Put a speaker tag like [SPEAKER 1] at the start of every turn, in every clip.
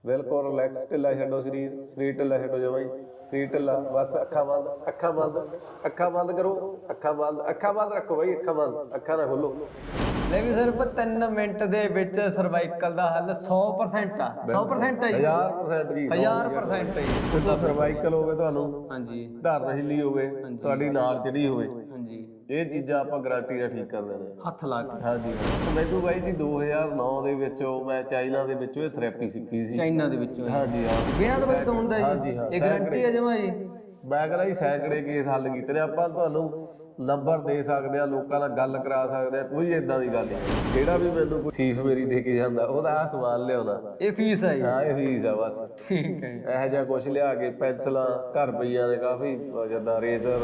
[SPEAKER 1] ਬਿਲਕੁਲ ਰਿਲੈਕਸ, ਢਿੱਲਾ ਛੱਡੋ ਸਰੀਰ, ਸਰੀਰ ਢਿੱਲਾ ਛੱਡੋ ਜਮਾਂ ਹੀ, ਸਰੀਰ ਢਿੱਲਾ, ਬਸ ਅੱਖਾਂ ਬੰਦ, ਅੱਖਾਂ ਬੰਦ, ਅੱਖਾਂ ਬੰਦ ਕਰੋ, ਅੱਖਾਂ ਬੰਦ ਰੱਖੋ ਬਾਈ, ਅੱਖਾਂ ਬੰਦ, ਅੱਖਾਂ ਨਾ ਖੋਲੋ।
[SPEAKER 2] ਲੈ ਵੀ ਸਿਰਫ 3 ਮਿੰਟ ਦੇ ਵਿੱਚ ਸਰਵਾਈਕਲ ਦਾ ਹੱਲ 100% ਆ। 100% ਹੈ ਜੀ,
[SPEAKER 1] 1000% ਜੀ,
[SPEAKER 2] 1000% ਹੈ ਜੀ।
[SPEAKER 1] ਤੁਸੀਂ ਸਰਵਾਈਕਲ ਹੋਵੇ, ਤੁਹਾਨੂੰ
[SPEAKER 2] ਹਾਂਜੀ
[SPEAKER 1] ਧਰਨ ਹਿੱਲੀ ਹੋਵੇ, ਤੁਹਾਡੀ ਨਾੜ ਚੜੀ ਹੋਵੇ,
[SPEAKER 2] ਹਾਂਜੀ,
[SPEAKER 1] ਇਹ ਚੀਜ਼ਾਂ ਆਪਾਂ ਗਾਰੰਟੀ ਨਾਲ ਠੀਕ ਕਰ ਦਿੰਦੇ ਹਾਂ।
[SPEAKER 2] ਹੱਥ ਲਾ ਕੇ।
[SPEAKER 1] ਹਾਂਜੀ, ਮੈਨੂੰ ਬਾਈ ਜੀ 2009 ਦੇ ਵਿੱਚ ਮੈਂ ਚਾਈਨਾ ਦੇ ਵਿੱਚੋਂ ਇਹ ਥੈਰੇਪੀ ਸਿੱਖੀ ਸੀ।
[SPEAKER 2] ਚਾਈਨਾ ਦੇ ਵਿੱਚੋਂ
[SPEAKER 1] ਹਾਂਜੀ ਹਾਂ,
[SPEAKER 2] ਬਿਨਾਂ ਦਵਾਈ ਤੋਂ ਹੁੰਦਾ
[SPEAKER 1] ਹਾਂਜੀ
[SPEAKER 2] ਜੀ,
[SPEAKER 1] ਹਾਂ,
[SPEAKER 2] ਇਹ ਗਾਰੰਟੀ ਹੈ ਜਮਾ ਜੀ।
[SPEAKER 1] ਮੈਂ ਕਹਿੰਦਾ ਜੀ ਸੈਂਕੜੇ ਕੇਸ ਹੱਲ ਕੀਤੇ ਨੇ ਆਪਾਂ, ਤੁਹਾਨੂੰ ਨੰਬਰ ਦੇ ਸਕਦੇ ਆ, ਲੋਕਾਂ ਨਾਲ ਗੱਲ ਕਰਾ ਸਕਦੇ ਆ, ਕੋਈ ਏਦਾਂ ਦੀ ਗੱਲ ਨਹੀਂ। ਜਿਹੜਾ ਵੀ ਮੈਨੂੰ ਕੋਈ ਫੀਸ ਮੇਰੀ ਦੇ ਕੇ ਜਾਂਦਾ ਉਹਦਾ ਆਹ ਸਮਾਨ ਲਿਆਉਂਦਾ,
[SPEAKER 2] ਇਹ ਫੀਸ ਹੈ ਜੀ।
[SPEAKER 1] ਹਾਂ ਇਹ ਫੀਸ ਆ ਬਸ।
[SPEAKER 2] ਠੀਕ ਹੈ ਜੀ।
[SPEAKER 1] ਇਹੋ ਜਿਹਾ ਕੁਛ ਲਿਆ ਕੇ, ਪੈਨਸਲਾਂ ਘਰ ਪਈਆਂ ਨੇ ਕਾਫੀ, ਜਿੱਦਾਂ ਰੇਜ਼ਰ।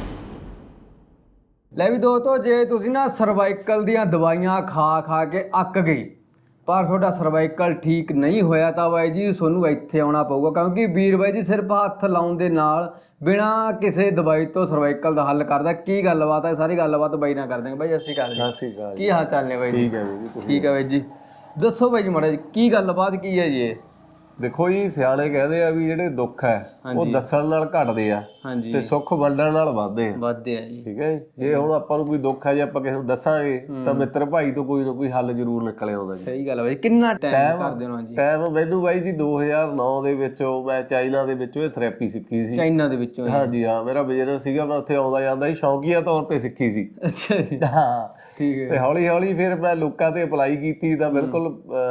[SPEAKER 2] ਲੈ ਵੀ ਦੋਸਤੋ, ਜੇ ਤੁਸੀਂ ਨਾ ਸਰਵਾਈਕਲ ਦੀਆਂ ਦਵਾਈਆਂ ਖਾ ਖਾ ਕੇ ਅੱਕ ਗਏ ਪਰ ਤੁਹਾਡਾ ਸਰਵਾਈਕਲ ਠੀਕ ਨਹੀਂ ਹੋਇਆ ਤਾਂ ਬਾਈ ਜੀ ਤੁਹਾਨੂੰ ਇੱਥੇ ਆਉਣਾ ਪਊਗਾ, ਕਿਉਂਕਿ ਵੀਰ ਬਾਈ ਜੀ ਸਿਰਫ ਹੱਥ ਲਾਉਣ ਦੇ ਨਾਲ ਬਿਨਾਂ ਕਿਸੇ ਦਵਾਈ ਤੋਂ ਸਰਵਾਈਕਲ ਦਾ ਹੱਲ ਕਰਦਾ। ਕੀ ਗੱਲਬਾਤ ਹੈ, ਸਾਰੀ ਗੱਲਬਾਤ ਬਾਈ ਨਾਲ ਕਰਦੇ ਹਾਂ। ਬਾਈ ਸਤਿ ਸ਼੍ਰੀ ਅਕਾਲ ਜੀ।
[SPEAKER 1] ਸਤਿ ਸ਼੍ਰੀ ਅਕਾਲ।
[SPEAKER 2] ਕੀ ਹਾਲ ਚਾਲ ਨੇ ਬਾਈ ਜੀ?
[SPEAKER 1] ਠੀਕ ਹੈ ਜੀ,
[SPEAKER 2] ਠੀਕ ਹੈ ਬਾਈ ਜੀ। ਦੱਸੋ ਬਾਈ ਜੀ ਮਾੜਾ ਜੀ, ਕੀ ਗੱਲਬਾਤ ਕੀ ਹੈ ਜੀ ਇਹ?
[SPEAKER 1] ਦੇਖੋ ਜੀ, ਸਿਆਣੇ ਕਹਿੰਦੇ ਆ ਵੀ ਜਿਹੜੇ ਦੁੱਖ ਹੈ ਉਹ ਦੱਸਣ ਨਾਲ ਘਟਦੇ ਆ
[SPEAKER 2] ਹਾਂਜੀ,
[SPEAKER 1] ਤੇ ਸੁੱਖ ਵੰਡਣ ਨਾਲ ਵੱਧਦੇ ਆ।
[SPEAKER 2] ਵੱਧਦੇ ਆ ਜੀ।
[SPEAKER 1] ਠੀਕ ਹੈ ਜੀ। ਜੇ ਹੁਣ ਆਪਾਂ ਨੂੰ ਕੋਈ ਦੁੱਖ ਹੈ, ਜੇ ਆਪਾਂ ਕਿਸੇ ਨੂੰ ਦੱਸਾਂਗੇ ਤਾਂ ਮਿੱਤਰ ਭਾਈ ਤੋਂ ਕੋਈ ਨਾ ਕੋਈ ਹੱਲ ਜ਼ਰੂਰ ਨਿਕਲ ਆਉਂਦਾ ਜੀ।
[SPEAKER 2] ਸਹੀ ਗੱਲ ਹੈ ਬਾਈ। ਕਿੰਨਾ ਟਾਈਮ ਕਰਦੇ ਹੋ ਜੀ?
[SPEAKER 1] ਟਾਈਮ ਮੈਨੂੰ ਬਾਈ ਜੀ 2009 ਦੇ ਵਿੱਚ ਮੈਂ ਚਾਈਨਾ ਦੇ ਵਿੱਚੋਂ ਇਹ ਥੈਰੇਪੀ ਸਿੱਖੀ ਸੀ।
[SPEAKER 2] ਚਾਈਨਾ ਦੇ ਵਿੱਚੋਂ?
[SPEAKER 1] ਹਾਂਜੀ ਹਾਂ, ਮੇਰਾ ਬਿਜ਼ਨਸ ਸੀਗਾ, ਮੈਂ ਉੱਥੇ ਆਉਂਦਾ ਜਾਂਦਾ ਸੀ, ਸ਼ੌਕੀਆ ਤੌਰ ਤੇ ਸਿੱਖੀ ਸੀ।
[SPEAKER 2] ਅੱਛਾ ਜੀ,
[SPEAKER 1] ਹਾਂ
[SPEAKER 2] ਠੀਕ ਹੈ।
[SPEAKER 1] ਤੇ ਹੌਲੀ ਹੌਲੀ ਫਿਰ ਮੈਂ ਲੋਕਾਂ ਤੇ ਅਪਲਾਈ ਕੀਤੀ ਤਾਂ ਬਿਲਕੁਲ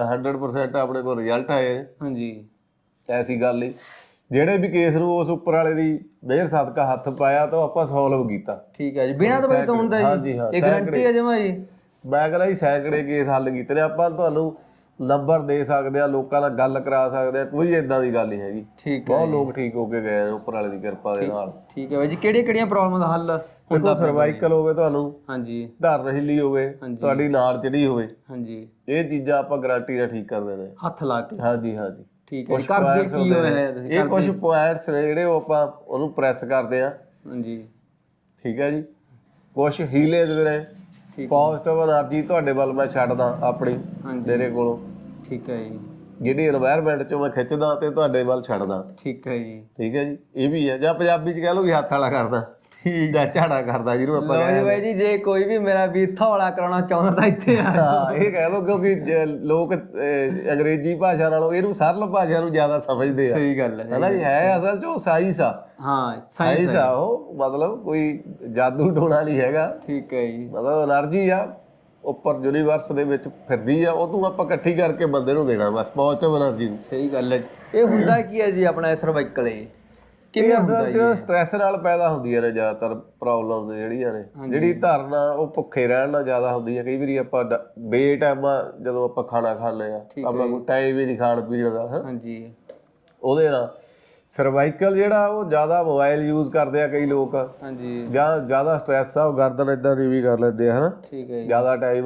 [SPEAKER 1] 100% ਆਪਣੇ ਕੋਲ ਰਿਜ਼ਲਟ ਆਏ।
[SPEAKER 2] ਹਾਂਜੀ,
[SPEAKER 1] ਐਸੀ ਗੱਲ ਨਹੀਂ, ਜਿਹੜੇ ਵੀ ਕੇਸ ਨੂੰ ਉਸ ਉੱਪਰ ਵਾਲੇ ਦੀ ਮਿਹਰ ਸਦਕਾ ਹੱਥ ਪਾਇਆ ਤਾਂ ਆਪਾਂ ਸੋਲਵ ਕੀਤਾ।
[SPEAKER 2] ਠੀਕ ਹੈ ਜੀ, ਬਿਨਾਂ ਦਵਾਈ ਤੋਂ ਹੁੰਦਾ ਜੀ?
[SPEAKER 1] ਹਾਂਜੀ ਹਾਂ,
[SPEAKER 2] ਇਹ ਗਾਰੰਟੀ ਹੈ ਜਮਾ ਜੀ।
[SPEAKER 1] ਮੈਂ ਕਹਿੰਦਾ ਜੀ ਸੈਂਕੜੇ ਕੇਸ ਹੱਲ ਕੀਤੇ ਨੇ ਆਪਾਂ, ਤੁਹਾਨੂੰ ਨੰਬਰ ਦੇ ਸਕਦੇ ਆ, ਲੋਕਾਂ ਨਾਲ ਗੱਲ ਕਰਾ ਸਕਦੇ ਆ, ਕੋਈ ਏਦਾਂ ਦੀ ਗੱਲ ਨਹੀਂ ਹੈਗੀ।
[SPEAKER 2] ਠੀਕ ਹੈ,
[SPEAKER 1] ਬਹੁਤ ਲੋਕ ਠੀਕ ਹੋ ਕੇ ਗਏ ਨੇ ਉੱਪਰ ਵਾਲੇ ਦੀ ਕਿਰਪਾ ਦੇ ਨਾਲ।
[SPEAKER 2] ਠੀਕ ਹੈ ਬਾਈ ਜੀ। ਕਿਹੜੀਆਂ ਪ੍ਰੋਬਲਮ ਦਾ ਹੱਲ ਹੁੰਦਾ?
[SPEAKER 1] ਸਰਵਾਈਕਲ ਹੋਵੇ, ਤੁਹਾਨੂੰ
[SPEAKER 2] ਹਾਂਜੀ,
[SPEAKER 1] ਧਰਨ ਹਿੱਲੀ ਹੋਵੇ, ਤੁਹਾਡੀ ਨਾੜ ਚੜੀ ਹੋਵੇ,
[SPEAKER 2] ਹਾਂਜੀ,
[SPEAKER 1] ਇਹ ਚੀਜ਼ਾਂ ਆਪਾਂ ਗਾਰੰਟੀ ਨਾਲ ਠੀਕ ਕਰ ਦਿੰਦੇ ਹਾਂ,
[SPEAKER 2] ਹੱਥ ਲਾ ਕੇ।
[SPEAKER 1] ਹਾਂਜੀ ਹਾਂਜੀ।
[SPEAKER 2] ਠੀਕ ਹੈ। ਕਰਦੇ ਕੀ ਹੋਇਆ ਤੁਸੀਂ?
[SPEAKER 1] ਇਹ ਕੁਝ ਪੁਆਇੰਟਸ ਨੇ ਜਿਹੜੇ ਉਹ ਆਪਾਂ ਉਹਨੂੰ ਪ੍ਰੈਸ ਕਰਦੇ ਆ।
[SPEAKER 2] ਹਾਂਜੀ,
[SPEAKER 1] ਠੀਕ ਹੈ ਜੀ। ਕੁਝ ਹੀਲੇਜ ਨੇ, ਪੋਜ਼ਿਟਿਵ એનર્ਜੀ ਤੁਹਾਡੇ ਵੱਲ ਮੈਂ ਛੱਡਦਾ ਆਪਣੀ ਮੇਰੇ ਕੋਲੋਂ। ਠੀਕ ਹੈ ਜੀ। ਜਿਹੜੀ এনवायरमेंट ਚੋਂ ਮੈਂ ਖਿੱਚਦਾ ਤੇ ਤੁਹਾਡੇ ਵੱਲ ਛੱਡਦਾ। ਠੀਕ ਹੈ ਜੀ। ਠੀਕ ਹੈ ਜੀ। ਇਹ ਵੀ ਹੈ, ਜਾਂ ਪੰਜਾਬੀ ਚ ਕਹਿ ਲਓ ਵੀ ਹੱਥ ਵਾਲਾ ਕਰਦਾ, ਜਾਂ ਝਾੜਾ ਕਰਦਾ, ਜਿਹਨੂੰ ਆਪਾਂ ਕਹਿੰਦੇ
[SPEAKER 2] ਬਾਈ ਜੀ। ਜੇ ਕੋਈ ਵੀ ਮੇਰਾ ਵੀਰ ਥੋੜਾ ਕਰਾਉਣਾ ਚਾਹੁੰਦਾ ਤਾਂ ਇੱਥੇ ਆ।
[SPEAKER 1] ਹਾਂ, ਇਹ ਕਹਿ ਲਓ, ਕਿਉਂਕਿ ਲੋਕ ਅੰਗਰੇਜ਼ੀ ਭਾਸ਼ਾ ਨਾਲੋਂ ਇਹਨੂੰ ਸਰਲ ਭਾਸ਼ਾ ਨੂੰ ਜ਼ਿਆਦਾ ਸਮਝਦੇ ਆ।
[SPEAKER 2] ਸਹੀ ਗੱਲ ਹੈ
[SPEAKER 1] ਹਨਾ ਜੀ। ਹੈ ਅਸਲ ਚ ਉਹ ਸਾਇੰਸ ਆ।
[SPEAKER 2] ਹਾਂ,
[SPEAKER 1] ਸਾਇੰਸ ਆ ਉਹ, ਮਤਲਬ ਕੋਈ ਜਾਦੂ ਟੋਣਾ ਨਹੀਂ ਹੈਗਾ।
[SPEAKER 2] ਠੀਕ ਹੈ ਜੀ।
[SPEAKER 1] ਮਤਲਬ એનર્ਜੀ ਆ, ਉੱਪਰ ਯੂਨੀਵਰਸ ਦੇ ਵਿੱਚ ਫਿਰਦੀ ਆ, ਉਹਨੂੰ ਆਪਾਂ ਇਕੱਠੀ ਕਰਕੇ ਬੰਦੇ ਨੂੰ ਦੇਣਾ ਬਸ, ਪੋਜ਼ਿਟਿਵ એનર્ਜੀ ਨੂੰ।
[SPEAKER 2] ਸਹੀ ਗੱਲ ਹੈ। ਇਹ ਹੁੰਦਾ ਕੀ ਹੈ ਜੀ ਆਪਣਾ ਸਰਵਾਈਕਲ?
[SPEAKER 1] ਕਿਵੇਂ ਅਸਲ ਚ ਸਟ੍ਰੈਸ ਨਾਲ ਪੈਦਾ ਹੁੰਦੀਆਂ ਨੇ ਜ਼ਿਆਦਾਤਰ ਪ੍ਰੋਬਲਮਸ ਜਿਹੜੀਆਂ ਨੇ। ਜਿਹੜੀ ਧਾਰਨਾ ਉਹ ਭੁੱਖੇ ਰਹਿਣ ਨਾਲ ਜ਼ਿਆਦਾ ਹੁੰਦੀ ਹੈ। ਕਈ ਵਾਰੀ ਆਪਾਂ ਬੇਟਾਈਮ ਜਦੋਂ ਆਪਾਂ ਖਾਣਾ ਖਾਂਦੇ ਆ, ਆਪਾਂ ਕੋਈ ਟਾਈਮ ਹੀ ਨਹੀਂ ਖਾਣ ਪੀਣ ਦਾ,
[SPEAKER 2] ਹਾਂਜੀ, ਉਹਦੇ
[SPEAKER 1] ਨਾਲ ਸਰਵਾਈਕਲ ਜਿਹੜਾ ਉਹ ਜ਼ਿਆਦਾ ਮੋਬਾਈਲ ਯੂਜ਼ ਕਰਦੇ ਆ ਕਈ ਲੋਕ। ਹਾਂਜੀ। ਜਾਂ ਜ਼ਿਆਦਾ ਸਟ੍ਰੈਸ ਆ, ਉਹ ਗਰਦਨ ਏਦਾਂ ਦੀ ਵੀ ਕਰ ਲੈਂਦੇ ਆ, ਹਨਾ। ਠੀਕ ਹੈ। ਜ਼ਿਆਦਾ ਟਾਈਮ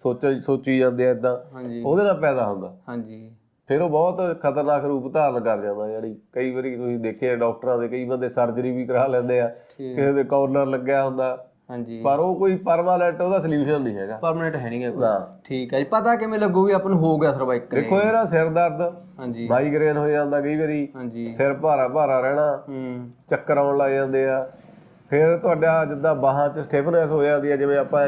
[SPEAKER 1] ਸੋਚੀ ਜਾਂਦੇ ਆ ਏਦਾਂ, ਉਹਦੇ ਨਾਲ ਪੈਦਾ ਹੁੰਦਾ। ਹਾਂਜੀ। ਫਿਰ ਉਹ ਬਹੁਤ ਖਤਰਨਾਕ ਰੂਪ ਧਾਰਨ ਕਰ ਜਾਂਦਾ। ਜਿਹੜੀ ਕਈ ਵਾਰੀ ਤੁਸੀਂ ਦੇਖਿਆ ਡਾਕਟਰਾਂ ਦੇ, ਕਈ ਬੰਦੇ ਸਰਜਰੀ ਵੀ ਕਰਾ ਲੈਂਦੇ ਆ, ਕਿਸੇ ਦੇ ਕਾਰਨਰ ਲੱਗਿਆ ਹੁੰਦਾ। ਹਾਂਜੀ। ਪਰ ਉਹ ਕੋਈ ਪਰਮਾਨੈਂਟ ਉਹਦਾ ਸੋਲੂਸ਼ਨ ਨਹੀਂ ਹੈਗਾ। ਪਰਮਾਨੈਂਟ ਹੈ ਨਹੀਂ ਗਾ।
[SPEAKER 2] ਠੀਕ ਹੈ ਜੀ। ਪਤਾ ਕਿਵੇਂ ਲੱਗੂ ਵੀ ਆਪਾਂ ਨੂੰ ਹੋ ਗਿਆ ਸਰਵਾਈਕਲ?
[SPEAKER 1] ਦੇਖੋ, ਇਹਦਾ ਸਿਰ ਦਰਦ, ਹਾਂਜੀ, ਮਾਈਗ੍ਰੇਨ ਹੋ ਜਾਂਦਾ ਕਈ ਵਾਰੀ, ਹਾਂਜੀ, ਸਿਰ ਭਾਰਾ ਰਹਿਣਾ, ਚੱਕਰ ਆਉਣ ਲੱਗ ਜਾਂਦੇ ਆ। ਫਿਰ ਤੁਹਾਡਾ ਜਿੱਦਾਂ ਬਾਹਾਂ 'ਚ ਸਟਿਫਨੈਸ ਹੋ ਜਾਂਦੀ ਆ, ਜਿਵੇਂ ਆਪਾਂ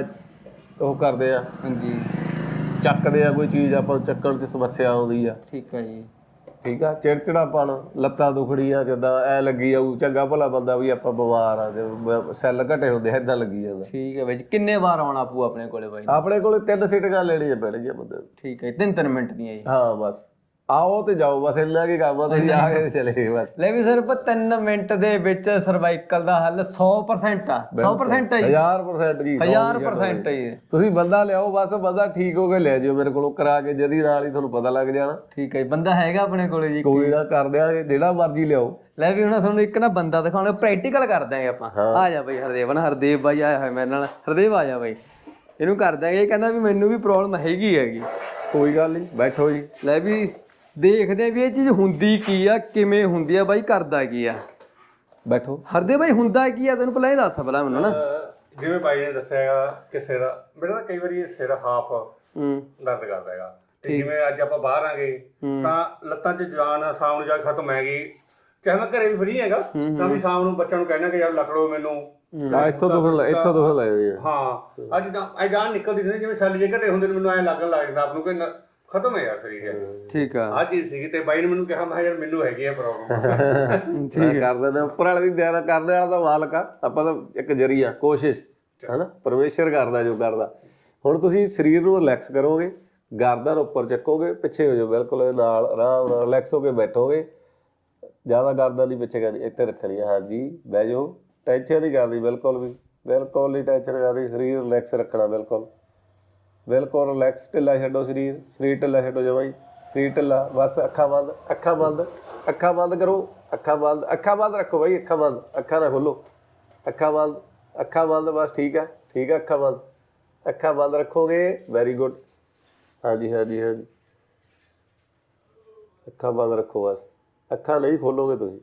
[SPEAKER 1] ਉਹ ਕਰਦੇ ਆ, ਹਾਂਜੀ, ਚੱਕਦੇ ਆ ਕੋਈ ਚੀਜ਼, ਆਪਾਂ ਨੂੰ ਚੱਕਣ 'ਚ ਸਮੱਸਿਆ ਆਉਂਦੀ ਆ। ਠੀਕ ਹੈ ਜੀ। ਠੀਕ ਆ। ਚਿੜਚਿੜਾਪਣ, ਲੱਤਾਂ ਦੁਖੜੀਆਂ, ਜਿੱਦਾਂ ਐ ਲੱਗੀ ਜਾਊ, ਚੰਗਾ ਭਲਾ ਬੰਦਾ ਵੀ ਆਪਾਂ ਬਿਮਾਰ ਆ, ਸੈੱਲ ਘਟੇ ਹੁੰਦੇ ਏਦਾਂ ਲੱਗੀ ਜਾਂਦਾ।
[SPEAKER 2] ਠੀਕ ਹੈ ਬਾਈ ਜੀ। ਕਿੰਨੇ ਵਾਰ ਆਉਣਾ ਪਊ ਆਪਣੇ ਕੋਲੇ ਬਾਈ?
[SPEAKER 1] ਆਪਣੇ ਕੋਲੇ 3 ਸੀਟਾਂ ਲੈਣੀਆਂ ਪੈਣਗੀਆਂ ਬੰਦੇ ਨੂੰ।
[SPEAKER 2] ਠੀਕ ਹੈ। 3 ਮਿੰਟ ਦੀਆਂ ਜੀ? ਹਾਂ ਬਸ,
[SPEAKER 1] ਆਓ ਤੇ ਜਾਓ, ਬਸ ਇੰਨਾ ਕੀ ਕੰਮ ਆ, ਤੁਸੀਂ ਆ ਕੇ ਚਲੇ ਗਏ ਬਸ।
[SPEAKER 2] ਲੈ ਵੀ ਸਿਰਫ 3 ਮਿੰਟ ਦੇ ਵਿੱਚ ਸਰਵਾਈਕਲ ਦਾ ਹੱਲ 100% ਆ। 100% ਹੈ ਜੀ?
[SPEAKER 1] 1000% ਜੀ।
[SPEAKER 2] 1000% ਹੈ ਜੀ।
[SPEAKER 1] ਤੁਸੀਂ ਬੰਦਾ ਲਿਆਓ, ਬਸ ਬੰਦਾ ਠੀਕ ਹੋ ਕੇ ਲੈ ਜਾਓ ਮੇਰੇ ਕੋਲੋਂ, ਕਰਾ ਕੇ ਜਦੀ ਨਾਲ ਹੀ ਤੁਹਾਨੂੰ ਪਤਾ ਲੱਗ ਜਾਣਾ।
[SPEAKER 2] ਠੀਕ ਹੈ ਜੀ। ਬੰਦਾ ਹੈਗਾ ਆਪਣੇ ਕੋਲੇ ਜੀ?
[SPEAKER 1] ਕੋਈ ਨਾ, ਕਰ ਦਿਆਂਗੇ, ਜਿਹੜਾ ਮਰਜ਼ੀ ਲਿਆਓ।
[SPEAKER 2] ਲੈ ਵੀ ਹੁਣ ਤੁਹਾਨੂੰ ਇੱਕ ਨਾ ਬੰਦਾ ਦਿਖਾਉਣਾ, ਪ੍ਰੈਕਟੀਕਲ ਕਰ ਦਾਂਗੇ ਆਪਾਂ। ਆ ਜਾ ਬਾਈ ਹਰਦੇਵ, ਨਾ ਹਰਦੇਵ ਬਾਈ ਆਇਆ ਹੋਇਆ ਮੇਰੇ ਨਾਲ। ਹਰਦੇਵ ਆ ਜਾ ਬਾਈ, ਇਹਨੂੰ ਕਰ ਦਾਂਗੇ। ਇਹ ਕਹਿੰਦਾ ਵੀ ਮੈਨੂੰ ਵੀ ਪ੍ਰੋਬਲਮ ਹੈਗੀ।
[SPEAKER 1] ਕੋਈ ਗੱਲ ਨਹੀਂ, ਬੈਠੋ ਜੀ।
[SPEAKER 2] ਲੈ ਵੀ ਦੇਖਦੇ ਆ ਵੀ ਇਹ ਚੀਜ਼ ਹੁੰਦੀ ਕੀ ਆ, ਕਿਵੇਂ ਹੁੰਦੀ ਆ ਬਾਈ, ਕਰਦਾ ਕੀ ਆ।
[SPEAKER 1] ਬੈਠੋ।
[SPEAKER 2] ਹਰਦੇਵ ਬਾਈ, ਹੁੰਦਾ ਕੀ ਆ ਤੈਨੂੰ ਪਹਿਲਾਂ ਇਹ ਦੱਸ ਪਹਿਲਾਂ ਮੈਨੂੰ ਨਾ।
[SPEAKER 3] ਜਿਵੇਂ ਬਾਈ ਨੇ ਦੱਸਿਆ ਹੈਗਾ ਕਿ ਸਿਰ ਮੇਰਾ ਤਾਂ ਕਈ ਵਾਰੀ ਸਿਰ ਹਾਫ ਦਰਦ ਕਰਦਾ ਹੈਗਾ, ਤੇ ਜਿਵੇਂ ਅੱਜ ਆਪਾਂ ਬਾਹਰ ਆ ਗਏ ਤਾਂ ਲੱਤਾਂ 'ਚ ਜਾਨ ਸ਼ਾਮ ਨੂੰ ਜਾ ਕੇ ਖਤਮ ਹੈ ਗਈ, ਚਾਹੇ ਮੈਂ ਘਰੇ ਵੀ ਫਰੀ ਹੈਗਾ ਤਾਂ ਵੀ ਸ਼ਾਮ ਨੂੰ ਬੱਚਿਆਂ ਨੂੰ ਕਹਿਣਾ ਕਿ ਯਾਰ ਲੱਕੜੋ ਮੈਨੂੰ
[SPEAKER 1] ਇੱਥੋਂ ਦੁੱਖ ਲਏ ਹੋਏ ਆ।
[SPEAKER 3] ਹਾਂ ਅੱਜ ਤਾਂ ਇਹ ਜਾਨ ਨਿਕਲਦੀ ਨਹੀਂ, ਜਿਵੇਂ ਛੱਲ ਜੇ ਘਟੇ ਹੁੰਦੇ ਨੇ ਮੈਨੂੰ ਐਂ ਲੱਗਣ ਲੱਗ ਜਾਂਦਾ ਆਪ ਨੂੰ ਕਿ ਖਤਮ ਹੈ ਯਾਰ ਸਰੀਰ।
[SPEAKER 2] ਠੀਕ ਆ,
[SPEAKER 3] ਆਹ ਚੀਜ਼ ਸੀਗੀ ਤੇ ਬਾਈ ਨੇ ਮੈਨੂੰ ਕਿਹਾ ਮੈਂ ਯਾਰ ਮੈਨੂੰ ਹੈਗੀ ਆ ਪ੍ਰੋਬਲਮ।
[SPEAKER 1] ਠੀਕ ਕਰ ਦਿੰਦੇ ਉੱਪਰ ਵਾਲੇ ਦੀ ਦਇਆ ਕਰਨ ਵਾਲਾ ਤਾਂ ਮਾਲਕ ਆ, ਆਪਾਂ ਤਾਂ ਇੱਕ ਜਰੀਆ ਕੋਸ਼ਿਸ਼ ਹਨਾ, ਪਰਮੇਸ਼ਰ ਕਰਦਾ ਜੋ ਕਰਦਾ। ਹੁਣ ਤੁਸੀਂ ਸਰੀਰ ਨੂੰ ਰਿਲੈਕਸ ਕਰੋਗੇ, ਗਰਦਨ ਉੱਪਰ ਚੱਕੋਗੇ, ਪਿੱਛੇ ਹੋ ਜਾਓ ਬਿਲਕੁਲ ਇਹਦੇ ਨਾਲ, ਆਰਾਮ ਨਾਲ ਰਿਲੈਕਸ ਹੋ ਕੇ ਬੈਠੋਗੇ, ਜ਼ਿਆਦਾ ਗਰਦਨ ਨਹੀਂ ਪਿੱਛੇ ਕਰਨੀ, ਇੱਥੇ ਰੱਖਣੀ ਹੈ। ਹਾਂਜੀ ਬਹਿ ਜਾਓ, ਟੈਨਸ਼ਨ ਨਹੀਂ ਕਰਨੀ ਬਿਲਕੁਲ ਵੀ, ਬਿਲਕੁਲ ਨਹੀਂ ਟੈਨਸ਼ਨ ਕਰਨੀ, ਸਰੀਰ ਰਿਲੈਕਸ ਰੱਖਣਾ ਬਿਲਕੁਲ ਬਿਲਕੁਲ ਰਿਲੈਕਸ। ਢਿੱਲਾ ਛੱਡੋ ਸਰੀਰ, ਸਰੀਰ ਢਿੱਲਾ ਛੱਡੋ ਜਮਾਂ ਹੀ, ਸਰੀਰ ਢਿੱਲਾ ਬਸ। ਅੱਖਾਂ ਬੰਦ, ਅੱਖਾਂ ਬੰਦ, ਅੱਖਾਂ ਬੰਦ ਕਰੋ, ਅੱਖਾਂ ਬੰਦ, ਅੱਖਾਂ ਬੰਦ ਰੱਖੋ ਬਾਈ, ਅੱਖਾਂ ਬੰਦ, ਅੱਖਾਂ ਨਾ ਖੋਲੋ, ਅੱਖਾਂ ਬੰਦ, ਅੱਖਾਂ ਬੰਦ ਬਸ। ਠੀਕ ਹੈ ਠੀਕ ਹੈ, ਅੱਖਾਂ ਬੰਦ, ਅੱਖਾਂ ਬੰਦ ਰੱਖੋਗੇ, ਵੈਰੀ ਗੁੱਡ। ਹਾਂਜੀ ਹਾਂਜੀ ਹਾਂਜੀ, ਅੱਖਾਂ ਬੰਦ ਰੱਖੋ ਬਸ, ਅੱਖਾਂ ਨਹੀਂ ਖੋਲੋਗੇ ਤੁਸੀਂ।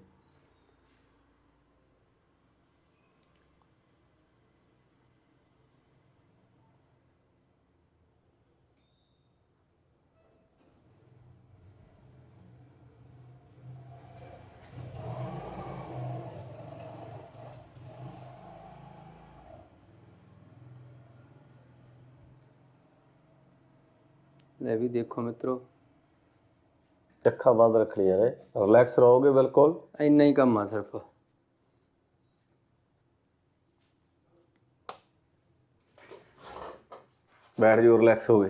[SPEAKER 2] ਲੈ ਵੀ ਦੇਖੋ ਮਿੱਤਰੋ,
[SPEAKER 1] ਅੱਖਾਂ ਬੰਦ ਰੱਖਣੀਆਂ ਨੇ, ਰਿਲੈਕਸ ਰਹੋਗੇ ਬਿਲਕੁਲ,
[SPEAKER 2] ਇੰਨਾ ਹੀ ਕੰਮ ਆ ਸਿਰਫ।
[SPEAKER 1] ਬੈਠ ਜਾਓ, ਰਿਲੈਕਸ ਹੋ ਗਏ।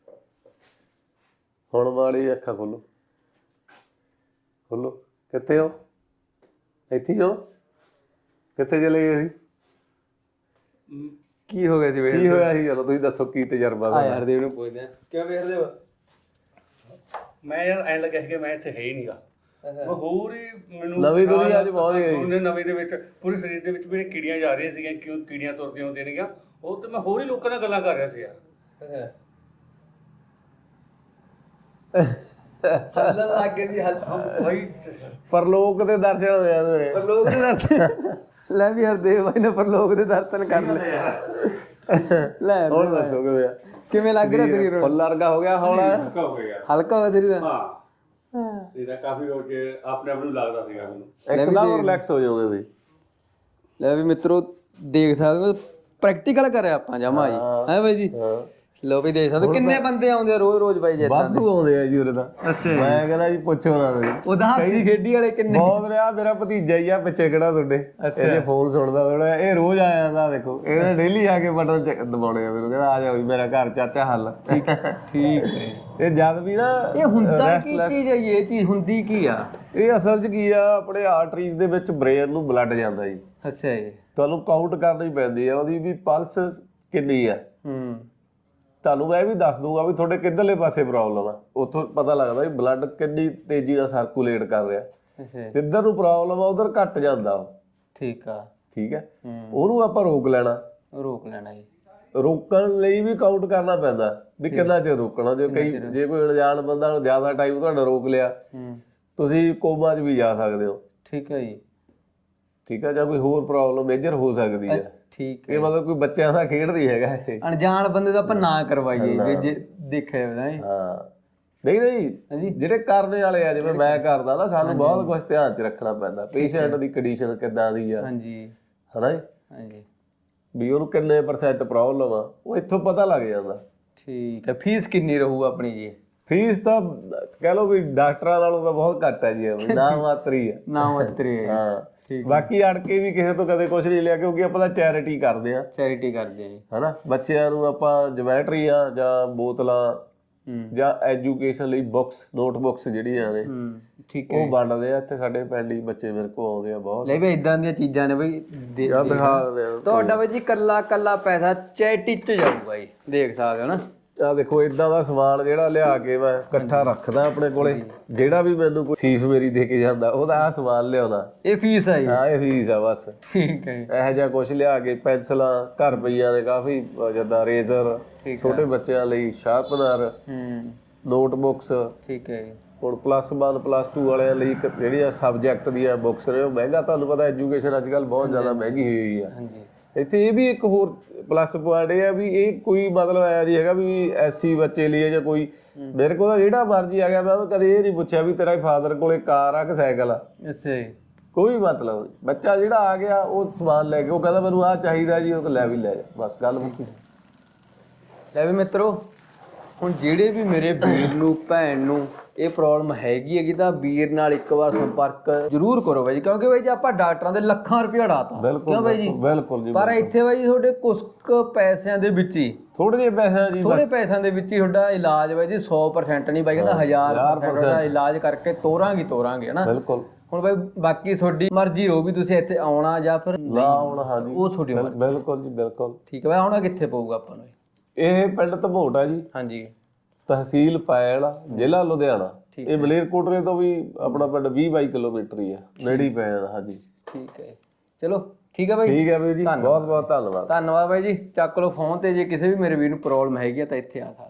[SPEAKER 1] ਹੁਣ ਵਾਲੀ ਅੱਖਾਂ ਖੋਲੋ, ਖੋਲੋ। ਕਿੱਥੇ ਹੋ? ਇੱਥੇ ਹੀ ਹੋ? ਕਿੱਥੇ ਚਲੇ ਗਏ ਸੀ?
[SPEAKER 2] ਕੀ ਹੋ ਗਿਆ ਸੀ ਵੇਖ?
[SPEAKER 1] ਕੀ ਹੋਇਆ ਸੀ? ਚਲੋ ਤੁਸੀਂ ਦੱਸੋ ਕੀ ਤਜਰਬਾ
[SPEAKER 2] ਆ ਯਾਰ ਦੇਵ ਨੂੰ ਪੁੱਛਦੇ ਆ, ਕਿਉਂ ਵੇਖਦੇ ਹੋ?
[SPEAKER 3] ਮੈਂ ਯਾਰ ਐਂ ਲੱਗਿਆ ਸੀ ਕਿ ਮੈਂ ਇੱਥੇ ਹੈ ਹੀ ਨਹੀਂਗਾ, ਮੈਂ ਹੋਰ ਹੀ ਮੈਨੂੰ
[SPEAKER 1] ਨਵੀਂ ਦੁਨੀਆ 'ਚ ਪਹੁੰਚ ਗਏ।
[SPEAKER 3] ਨਵੀਂ ਦੇ ਵਿੱਚ ਪੂਰੇ ਸਰੀਰ ਦੇ ਵਿੱਚ ਮੇਰੇ ਕੀੜੀਆਂ ਜਾ ਰਹੀਆਂ ਸੀਗੀਆਂ, ਕਿਉਂ ਕੀੜੀਆਂ ਤੁਰਦੀਆਂ ਹੁੰਦੀਆਂ ਨੇਗੀਆਂ, ਉਹ ਤੇ ਮੈਂ ਹੋਰ ਹੀ ਲੋਕਾਂ ਨਾਲ ਗੱਲਾਂ ਕਰ ਰਿਹਾ ਸੀ ਯਾਰ।
[SPEAKER 2] ਹੱਲਣ ਲੱਗ ਗਏ ਜੀ,
[SPEAKER 3] ਭਾਈ
[SPEAKER 1] ਪਰਲੋਕ ਦੇ ਦਰਸ਼ਨ ਹੋ ਜਾਂਦੇ ਨੇ।
[SPEAKER 2] ਪਰਲੋਕ ਦੇ ਦਰਸ਼ਨ। ਲੈ ਵੀ ਹਰਦੇਵ ਭਾਈ ਨੇ ਪਰਲੋਕ ਦੇ ਦਰਸ਼ਨ ਕਰ ਲਏ। ਲੈ
[SPEAKER 1] ਹੁਣ ਦੱਸੋ
[SPEAKER 2] ਕਿਵੇਂ ਲੱਗ ਰਿਹਾ ਸਰੀਰ?
[SPEAKER 1] ਫੁੱਲ ਵਰਗਾ ਹੋ ਗਿਆ ਹੁਣ?
[SPEAKER 3] ਹਲਕਾ ਹੋ ਗਿਆ,
[SPEAKER 2] ਹਲਕਾ ਹੋ ਗਿਆ ਸਰੀਰ?
[SPEAKER 3] ਹਾਂ ਇਹਦਾ ਕਾਫੀ ਰੋਜ਼ ਆਪਣੇ ਆਪ ਨੂੰ ਲੱਗਦਾ ਸੀਗਾ ਮੈਨੂੰ
[SPEAKER 1] ਇੱਕਦਮ ਰਿਲੈਕਸ ਹੋ ਜਾਓਗੇ ਤੁਸੀਂ।
[SPEAKER 2] ਲੈ ਵੀ ਮਿੱਤਰੋ ਦੇਖ ਸਕਦੇ ਹੋ, ਪ੍ਰੈਕਟੀਕਲ ਕਰਿਆ ਆਪਾਂ ਜਮਾ ਜੀ, ਹੈ ਬਾਈ ਜੀ। ਲੋ ਵੀ ਦੇਖ ਸਕਦੇ ਹੋ ਕਿੰਨੇ ਬੰਦੇ ਆਉਂਦੇ ਆ ਰੋਜ਼ ਬਾਈ ਜੀ।
[SPEAKER 1] ਵਾਧੂ ਆਉਂਦੇ ਆ ਜੀ ਉਰੇ ਤਾਂ। ਮੈਂ ਕਹਿੰਦਾ ਜੀ ਪੁੱਛੋ ਨਾ ਤੁਸੀਂ।
[SPEAKER 2] ਉਹਦਾ ਹਾਸੀ ਖੇਡੀ ਵਾਲੇ ਕਿੰਨੇ
[SPEAKER 1] ਬਹੁਤ ਰਿਹਾ। ਮੇਰਾ ਭਤੀਜਾ ਹੀ ਆ ਪਿੱਛੇ ਕਿਹੜਾ ਤੁਹਾਡੇ, ਇਹਦੇ ਫੋਨ ਸੁਣਦਾ ਥੋੜਾ, ਇਹ ਰੋਜ਼ ਆ ਜਾਂਦਾ। ਦੇਖੋ ਇਹਨੇ ਡੇਲੀ ਆ ਕੇ ਬਟਨ ਦਬਾਉਣੇ ਆ, ਮੈਨੂੰ ਕਹਿੰਦਾ ਆ ਜਾ ਮੇਰਾ ਘਰ ਚਾਚਾ ਹੱਲ।
[SPEAKER 2] ਠੀਕ ਠੀਕ ਹੈ।
[SPEAKER 1] ਇਹ ਜਦ ਵੀ ਨਾ
[SPEAKER 2] ਇਹ ਹੁੰਦਾ ਕੀ ਚੀਜ਼ ਹੈ? ਇਹ ਚੀਜ਼ ਹੁੰਦੀ ਕੀ ਆ?
[SPEAKER 1] ਇਹ ਅਸਲ 'ਚ ਕੀ ਆ, ਆਪਣੇ ਆਰਟਰੀਜ਼ ਦੇ ਵਿੱਚ ਬ੍ਰੇਨ ਨੂੰ ਬਲੱਡ ਜਾਂਦਾ ਜੀ।
[SPEAKER 2] ਅੱਛਾ ਜੀ।
[SPEAKER 1] ਤੁਹਾਨੂੰ ਕਾਊਂਟ ਕਰਨੀ ਪੈਂਦੀ ਆ ਉਹਦੀ ਵੀ ਪਲਸ ਕਿੰਨੀ ਆ। ਤੁਹਾਨੂੰ ਮੈਂ ਇਹ ਵੀ ਦੱਸ ਦੂੰਗਾ ਵੀ ਤੁਹਾਡੇ ਕਿੱਧਰਲੇ ਪਾਸੇ ਪ੍ਰੋਬਲਮ ਆ, ਉੱਥੋਂ ਪਤਾ ਲੱਗਦਾ ਵੀ ਬਲੱਡ ਕਿੰਨੀ ਤੇਜ਼ੀ ਨਾਲ ਸਰਕੂਲੇਟ ਕਰ ਰਿਹਾ। ਜਿੱਧਰ ਨੂੰ ਪ੍ਰੋਬਲਮ ਆ ਉਧਰ ਘਟ ਜਾਂਦਾ ਉਹ।
[SPEAKER 2] ਠੀਕ ਆ।
[SPEAKER 1] ਠੀਕ ਹੈ, ਉਹਨੂੰ ਆਪਾਂ ਰੋਕ ਲੈਣਾ।
[SPEAKER 2] ਰੋਕ ਲੈਣਾ ਜੀ।
[SPEAKER 1] ਰੋਕਣ ਲਈ ਵੀ ਕਾਊਂਟ ਕਰਨਾ ਪੈਂਦਾ ਵੀ ਕਿੰਨਾ ਚਿਰ ਰੋਕਣਾ। ਜੇ ਕੋਈ ਅਣਜਾਣ ਬੰਦਾ ਨੂੰ ਜ਼ਿਆਦਾ ਟਾਈਮ ਤੁਹਾਡਾ ਰੋਕ ਲਿਆ, ਤੁਸੀਂ ਕੋਮਾ 'ਚ ਵੀ ਜਾ ਸਕਦੇ ਹੋ।
[SPEAKER 2] ਠੀਕ ਹੈ ਜੀ।
[SPEAKER 1] ਠੀਕ ਹੈ, ਜਾਂ ਕੋਈ ਹੋਰ ਪ੍ਰੋਬਲਮ ਮੇਜਰ ਹੋ ਸਕਦੀ ਹੈ।
[SPEAKER 2] ਠੀਕ ਹੈ,
[SPEAKER 1] ਇਹ ਮਤਲਬ ਕੋਈ ਬੱਚਿਆਂ ਦਾ ਖੇਡ ਨਹੀਂ ਹੈਗਾ ਇਹ।
[SPEAKER 2] ਅਣਜਾਣ ਬੰਦੇ ਦਾ ਆਪਾਂ ਨਾ ਕਰਵਾਈਏ ਜੇ ਦੇਖਿਆ ਹੋਵੇ।
[SPEAKER 1] ਹਾਂ ਨਹੀਂ ਨਹੀਂ, ਜਿਹੜੇ ਕਰਨੇ ਵਾਲੇ ਆ, ਜਿਵੇਂ ਮੈਂ ਕਰਦਾ ਨਾ, ਸਾਨੂੰ ਬਹੁਤ ਕੁਝ ਧਿਆਨ 'ਚ ਰੱਖਣਾ ਪੈਂਦਾ। ਪੇਸ਼ੈਂਟ ਦੀ ਕੰਡੀਸ਼ਨ ਕਿੱਦਾਂ ਦੀ ਆ,
[SPEAKER 2] ਹਾਂਜੀ
[SPEAKER 1] ਹਨਾ ਜੀ,
[SPEAKER 2] ਹਾਂਜੀ,
[SPEAKER 1] ਵੀ ਉਹਨੂੰ ਕਿੰਨੇ % ਪ੍ਰੋਬਲਮ ਆ, ਉਹ ਇੱਥੋਂ ਪਤਾ ਲੱਗ ਜਾਂਦਾ।
[SPEAKER 2] ਠੀਕ ਹੈ। ਫੀਸ ਕਿੰਨੀ ਰਹੂ ਆਪਣੀ ਜੀ?
[SPEAKER 1] ਫੀਸ ਤਾਂ ਕਹਿ ਲਓ ਵੀ ਡਾਕਟਰਾਂ ਨਾਲੋਂ ਤਾਂ ਬਹੁਤ ਘੱਟ ਹੈ ਜੀ, ਨਾ ਮਾਤਰੀ ਹੈ।
[SPEAKER 2] ਨਾ ਮਾਤਰੀ ਹੈ।
[SPEAKER 1] ਹਾਂ, ਬਾਕੀ ਅੜ ਕੇ ਵੀ ਕਿਸੇ ਤੋਂ ਕਦੇ ਕੁਝ ਨਹੀਂ ਲਿਆ, ਕਿਉਂਕਿ ਆਪਾਂ ਤਾਂ ਚੈਰਿਟੀ ਕਰਦੇ ਆ।
[SPEAKER 2] ਚੈਰਿਟੀ ਕਰਦੇ ਆ ਜੀ,
[SPEAKER 1] ਹਨਾ। ਬੱਚਿਆਂ ਨੂੰ ਆਪਾਂ ਜਮੈਟਰੀਆਂ ਜਾਂ ਬੋਤਲਾਂ ਜਾਂ ਐਜੂਕੇਸ਼ਨ ਲਈ ਬੁੱਕਸ, ਨੋਟਬੁੱਕਸ ਜਿਹੜੀਆਂ ਨੇ,
[SPEAKER 2] ਠੀਕ ਹੈ,
[SPEAKER 1] ਉਹ ਵੰਡਦੇ ਆ। ਇੱਥੇ ਸਾਡੇ ਪਿੰਡ ਹੀ ਬੱਚੇ ਮੇਰੇ ਕੋਲ ਆਉਂਦੇ ਆ ਬਹੁਤ।
[SPEAKER 2] ਲੈ ਵੀ ਇਦਾਂ ਦੀਆਂ ਚੀਜ਼ਾਂ ਨੇ ਬਈ।
[SPEAKER 1] ਦਿਖਾ ਦਿੰਦੇ ਆ
[SPEAKER 2] ਤੁਹਾਡਾ ਬਈ ਜੀ ਕੱਲਾ ਕੱਲਾ ਪੈਸਾ ਚੈਰਿਟੀ 'ਚ ਜਾਊਗਾ ਜੀ, ਦੇਖ ਸਕਦੇ ਹੋ ਨਾ।
[SPEAKER 1] ਆ ਦੇਖੋ, ਇਦਾਂ ਦਾ ਸਮਾਨ ਜਿਹੜਾ ਲਿਆ ਕੇ ਮੈਂ ਇਕੱਠਾ ਰੱਖਦਾ ਆਪਣੇ ਕੋਲੇ। ਜਿਹੜਾ ਵੀ ਮੈਨੂੰ ਕੋਈ ਫੀਸ ਮੇਰੀ ਦੇ ਕੇ ਜਾਂਦਾ, ਉਹਦਾ ਆਹ ਸਮਾਨ ਲਿਆਉਣਾ।
[SPEAKER 2] ਇਹ ਫੀਸ ਆ ਜੀ?
[SPEAKER 1] ਹਾਂ, ਇਹ ਫੀਸ ਆ ਬਸ।
[SPEAKER 2] ਠੀਕ ਹੈ।
[SPEAKER 1] ਇਹੋ ਜਿਹਾ ਕੁਛ ਲਿਆ ਕੇ, ਪੈਨਸਲਾਂ ਘਰ ਪਈਆਂ ਨੇ ਕਾਫੀ, ਜਿੱਦਾਂ ਰੇਜ਼ਰ ਛੋਟੇ ਬੱਚਿਆਂ ਲਈ, ਸ਼ਾਰਪਨਰ, ਨੋਟਬੁੱਕਸ। ਠੀਕ ਹੈ। ਹੁਣ +1 +2 ਵਾਲਿਆਂ ਲਈ ਜਿਹੜੀਆਂ ਸਬਜੈਕਟ ਦੀਆਂ ਬੁੱਕਸ ਨੇ, ਉਹ ਮਹਿੰਗਾ, ਤੁਹਾਨੂੰ ਪਤਾ ਐਜੂਕੇਸ਼ਨ ਅੱਜ ਕੱਲ੍ਹ ਬਹੁਤ ਜ਼ਿਆਦਾ ਮਹਿੰਗੀ ਹੋਈ ਆ। ਇੱਥੇ ਇਹ ਵੀ ਇੱਕ ਹੋਰ ਪਲੱਸ ਪੁਆਇੰਟ ਇਹ ਆ ਵੀ ਇਹ ਕੋਈ ਮਤਲਬ ਆਇਆ ਜੀ ਹੈਗਾ ਵੀ ਐਸੀ ਬੱਚੇ ਲਈ ਜਾਂ ਕੋਈ ਮੇਰੇ ਕੋਲ ਤਾਂ ਜਿਹੜਾ ਮਰਜ਼ੀ ਆ ਗਿਆ ਮੈਂ ਕਦੇ ਇਹ ਨਹੀਂ ਪੁੱਛਿਆ ਵੀ ਤੇਰਾ ਫਾਦਰ ਕੋਲੇ ਕਾਰ ਆ ਕਿ ਸਾਈਕਲ ਆ।
[SPEAKER 2] ਅੱਛਾ ਜੀ।
[SPEAKER 1] ਕੋਈ ਮਤਲਬ ਨਹੀਂ, ਬੱਚਾ ਜਿਹੜਾ ਆ ਗਿਆ ਉਹ ਸਮਾਨ ਲੈ ਕੇ ਉਹ ਕਹਿੰਦਾ ਮੈਨੂੰ ਆਹ ਚਾਹੀਦਾ ਜੀ, ਉਹ ਲੈ ਵੀ ਲੈ ਜਾ, ਬਸ ਗੱਲ ਮੁੱਕੀ।
[SPEAKER 2] ਲੈ ਵੀ ਮਿੱਤਰੋ, ਹੁਣ ਜਿਹੜੇ ਵੀ ਮੇਰੇ ਵੀਰ ਨੂੰ ਭੈਣ ਨੂੰ ਇਹ ਪ੍ਰੋਬਲਮ ਹੈਗੀ ਤਾਂ ਵੀਰ ਨਾਲ ਇੱਕ ਵਾਰ ਸੰਪਰਕ ਜ਼ਰੂਰ ਕਰੋ ਬਾਈ ਜੀ, ਕਿਉਂਕਿ ਬਾਈ ਜੀ ਆਪਾਂ ਡਾਕਟਰਾਂ ਦੇ ਲੱਖਾਂ ਰੁਪਏ ਉਡਾਤਾ, ਕਿਉਂ ਬਾਈ ਜੀ?
[SPEAKER 1] ਬਿਲਕੁਲ ਜੀ।
[SPEAKER 2] ਪਰ ਇੱਥੇ ਬਾਈ ਜੀ ਤੁਹਾਡੇ ਕੁਝ ਕੁ ਪੈਸਿਆਂ ਦੇ ਵਿੱਚ ਹੀ,
[SPEAKER 1] ਥੋੜੇ ਜਿਹੇ ਪੈਸੇ ਜੀ,
[SPEAKER 2] ਥੋੜੇ ਪੈਸਿਆਂ ਦੇ ਵਿੱਚ ਹੀ ਤੁਹਾਡਾ ਇਲਾਜ ਬਾਈ ਜੀ 100% ਨਹੀਂ ਬਾਈ ਕਹਿੰਦਾ 1000% ਦਾ ਇਲਾਜ ਕਰਕੇ ਤੋਰਾਂਗੇ ਹਨਾ।
[SPEAKER 1] ਬਿਲਕੁਲ।
[SPEAKER 2] ਹੁਣ ਬਾਈ ਬਾਕੀ ਤੁਹਾਡੀ ਮਰਜ਼ੀ ਰਹੋ ਵੀ ਤੁਸੀਂ ਇੱਥੇ ਆਉਣਾ ਜਾਂ ਫਿਰ
[SPEAKER 1] ਨਾ ਆਉਣਾ। ਹਾਂਜੀ
[SPEAKER 2] ਉਹ ਤੁਹਾਡੀ ਮਰਜ਼ੀ।
[SPEAKER 1] ਬਿਲਕੁਲ ਜੀ ਬਿਲਕੁਲ।
[SPEAKER 2] ਠੀਕ ਹੈ ਬਾਈ, ਆਉਣਾ ਕਿੱਥੇ ਪਊਗਾ ਆਪਾਂ ਨੂੰ?
[SPEAKER 1] ਇਹ ਪਿੰਡ ਧਮੋਟ ਆ ਜੀ,
[SPEAKER 2] ਹਾਂਜੀ,
[SPEAKER 1] ਤਹਿਸੀਲ ਪੈਲ, ਜ਼ਿਲ੍ਹਾ ਲੁਧਿਆਣਾ। ਇਹ ਮਲੇਰਕੋਟਲੇ ਤੋਂ ਵੀ ਆਪਣਾ ਪਿੰਡ 20-22 ਕਿਲੋਮੀਟਰ ਹੀ ਆ, ਨੇੜੇ ਹੀ ਪੈ ਜਾਂਦਾ। ਹਾਂਜੀ
[SPEAKER 2] ਠੀਕ ਹੈ, ਚਲੋ ਠੀਕ ਹੈ ਬਾਈ।
[SPEAKER 1] ਠੀਕ ਹੈ ਬਾਈ ਜੀ, ਬਹੁਤ ਬਹੁਤ ਧੰਨਵਾਦ।
[SPEAKER 2] ਧੰਨਵਾਦ ਬਾਈ ਜੀ। ਚੱਕ ਲਓ ਫੋਨ ਤੇ, ਜੇ ਕਿਸੇ ਵੀ ਮੇਰੇ ਵੀਰ ਨੂੰ ਪ੍ਰੋਬਲਮ ਹੈਗੀ ਤਾਂ ਇੱਥੇ ਆ ਸਕਦਾ।